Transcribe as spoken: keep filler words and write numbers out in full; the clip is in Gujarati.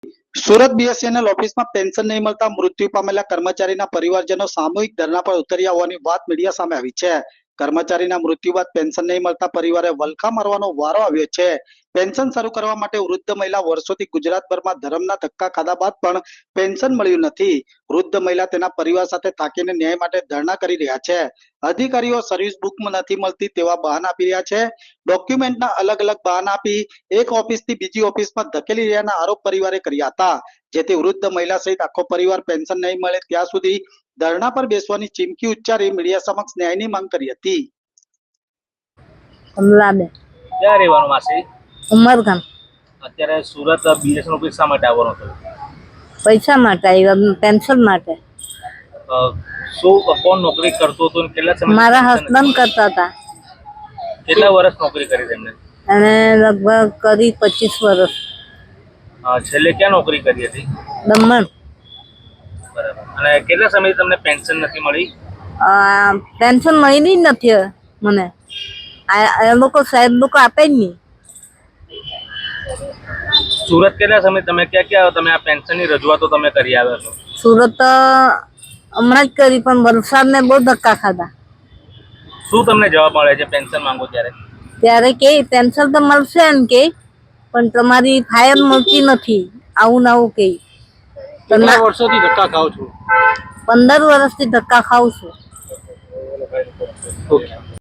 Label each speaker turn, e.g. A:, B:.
A: સુરત બીએસએનએલ ઓફિસમાં પેન્શન નહીં મળતા મૃત્યુ પામેલા કર્મચારીના પરિવારજનો સામૂહિક ધરણા પર ઉતર્યા હોવાની વાત મીડિયા સામે આવી છે। કર્મચારીના મૃત્યુ બાદ પેન્શન નહીં મળતા પરિવારે વલખા મારવાનો વારો આવ્યો છે। પેન્શન શરૂ કરવા માટે વૃદ્ધ મહિલા વર્ષોથી ગુજરાતભરમાં ધર્મના ધક્કા ખાધા બાદ પણ પેન્શન મળ્યું નથી। વૃદ્ધ મહિલા તેના પરિવાર સાથે થાકીને ન્યાય માટે ધરણા કરી રહ્યા છે। અધિકારીઓ સર્વિસ બુકમાં નથી મળતી તેવા બહાના આપી રહ્યા છે। ડોક્યુમેન્ટના અલગ અલગ બહાના આપી એક ઓફિસથી બીજી ઓફિસમાં ધકેલી રહ્યાના આરોપ પરિવારે કર્યા હતા, જેથી વૃદ્ધ મહિલા સહિત આખો પરિવાર પેન્શન નહીં મળે ત્યાં સુધી ધરણા પર બેસવાની ચીમકી ઉચ્ચારી મીડિયા સમક્ષ ન્યાયની માંગ કરી હતી।
B: કમલાબેન
C: ક્યાં રહેવાનું માસી?
B: ઉમરગામ।
C: અત્યારે સુરત બીએસએન ઓફિસ શા માટે આવવાનો થયો?
B: પૈસા માટે આવ્યા, પેન્શન માટે।
C: અ, શું કોણ નોકરી કરતો હતો અને કેટલા સમય
B: મારા હસબન્ડ કરતા હતા
C: કેટલા વર્ષ નોકરી કરી તેમને?
B: અને લગભગ કરી પચીસ વર્ષ।
C: અ, છેલ્લે ક્યાં નોકરી કરી હતી?
B: દમણ।
C: બરાબર। અને કેટલા સમયથી તમને પેન્શન નથી મળી?
B: આ પેન્શન મળી જ નથી મને। આ એ લોકો સાહેબ લોકો આપે જ નહીં।
C: સુરત કેટલા સમય તમે ક્યાં ક્યાં તમે આ પેન્શનની રજૂઆતો તમે કરી આવ્યા છો?
B: સુરત હમણાં જ કરી, પણ વલસાડને બહુ ધક્કા ખાધા।
C: શું તમને જવાબ મળે છે પેન્શન માંગો ત્યારે?
B: ત્યારે કે પેન્શન તો મળશે એમ કે, પણ તમારી ફાયર મળતી નથી, આવું ને આવું કે।
A: કેટલા વર્ષોથી ધક્કા ખાવ છો?
B: પંદર વર્ષથી ધક્કા ખાઉં છું।
A: ઓકે।